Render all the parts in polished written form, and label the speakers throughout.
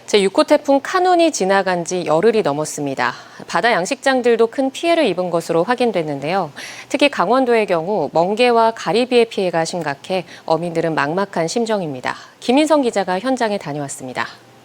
Speaker 1: 제6호 태풍 카눈이 지나간 지 열흘이 넘었습니다. 바다 양식장들도 큰 피해를 입은 것으로 확인됐는데요. 특히 강원도의 경우 멍게와 가리비의 피해가 심각해 어민들은 막막한 심정입니다. 김인성 기자가 현장에 다녀왔습니다.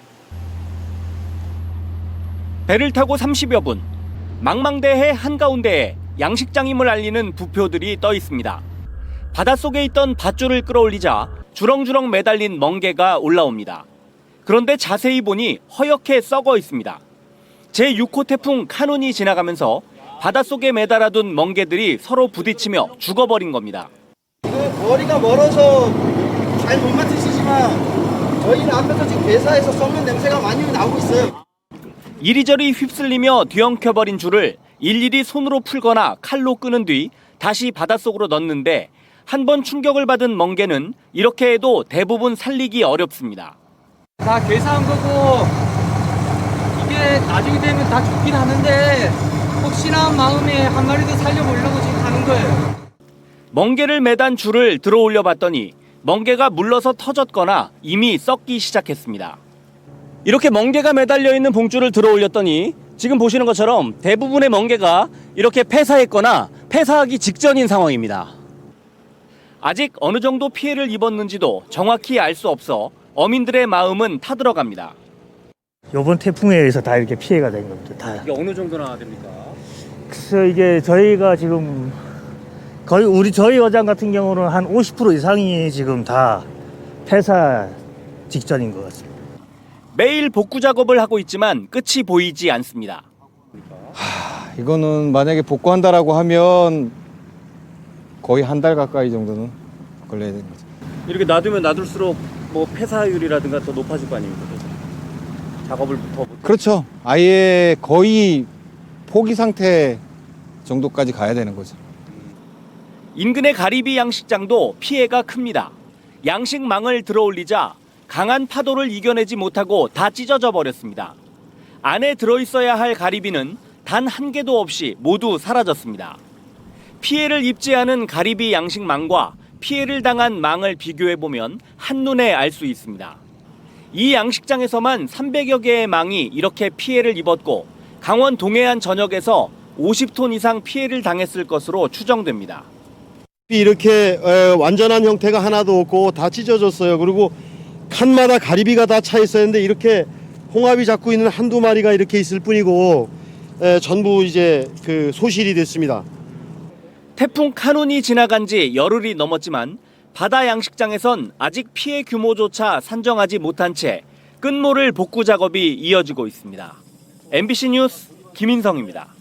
Speaker 2: 배를 타고 30여 분, 망망대해 한가운데에 양식장임을 알리는 부표들이 떠 있습니다. 바닷속에 있던 밧줄을 끌어올리자 주렁주렁 매달린 멍게가 올라옵니다. 그런데 자세히 보니 허옇게 썩어 있습니다. 제6호 태풍 카눈이 지나가면서 바닷속에 매달아둔 멍게들이 서로 부딪히며 죽어버린 겁니다.
Speaker 3: 머리가 멀어서 잘 못 맡으시지만 저희는 앞에서 지금 회사에서 썩는 냄새가 많이 나오고 있어요.
Speaker 2: 이리저리 휩쓸리며 뒤엉켜버린 줄을 일일이 손으로 풀거나 칼로 끄는 뒤 다시 바닷속으로 넣는데 한 번 충격을 받은 멍게는 이렇게 해도 대부분 살리기 어렵습니다.
Speaker 4: 다 괴사한 거고 이게 나중에 되면 다 죽긴 하는데 혹시나 마음에 한 마리 더 살려보려고 지금 하는 거예요.
Speaker 2: 멍게를 매단 줄을 들어 올려 봤더니 멍게가 물러서 터졌거나 이미 썩기 시작했습니다. 이렇게 멍게가 매달려 있는 봉줄을 들어 올렸더니 지금 보시는 것처럼 대부분의 멍게가 이렇게 폐사했거나 폐사하기 직전인 상황입니다. 아직 어느 정도 피해를 입었는지도 정확히 알 수 없어 어민들의 마음은 타들어갑니다.
Speaker 5: 이번 태풍에 의해서 다 이렇게 피해가 된 겁니다. 다.
Speaker 2: 이게 어느 정도나 됩니까?
Speaker 5: 그래서 이게 저희가 지금 거의 저희 어장 같은 경우는 한 50% 이상이 지금 다 폐사 직전인 것 같습니다.
Speaker 2: 매일 복구 작업을 하고 있지만 끝이 보이지 않습니다.
Speaker 6: 이거는 만약에 복구한다라고 하면 거의 한 달 가까이 정도는 걸려야 되는 거죠.
Speaker 2: 이렇게 놔두면 놔둘수록 뭐 폐사율이라든가 더 높아질 거 아닙니까? 작업을 더
Speaker 6: 그렇죠. 아예 거의 포기 상태 정도까지 가야 되는 거죠.
Speaker 2: 인근의 가리비 양식장도 피해가 큽니다. 양식망을 들어 올리자 강한 파도를 이겨내지 못하고 다 찢어져 버렸습니다. 안에 들어있어야 할 가리비는 단 한 개도 없이 모두 사라졌습니다. 피해를 입지 않은 가리비 양식망과 피해를 당한 망을 비교해보면 한눈에 알 수 있습니다. 이 양식장에서만 300여 개의 망이 이렇게 피해를 입었고 강원 동해안 전역에서 50톤 이상 피해를 당했을 것으로 추정됩니다.
Speaker 3: 이렇게 완전한 형태가 하나도 없고 다 찢어졌어요. 그리고 칸마다 가리비가 다 차 있었는데 이렇게 홍합이 잡고 있는 한두 마리가 이렇게 있을 뿐이고 전부 이제 그 소실이 됐습니다.
Speaker 2: 태풍 카눈이 지나간 지 열흘이 넘었지만 바다 양식장에선 아직 피해 규모조차 산정하지 못한 채 끝모를 복구 작업이 이어지고 있습니다. MBC 뉴스 김인성입니다.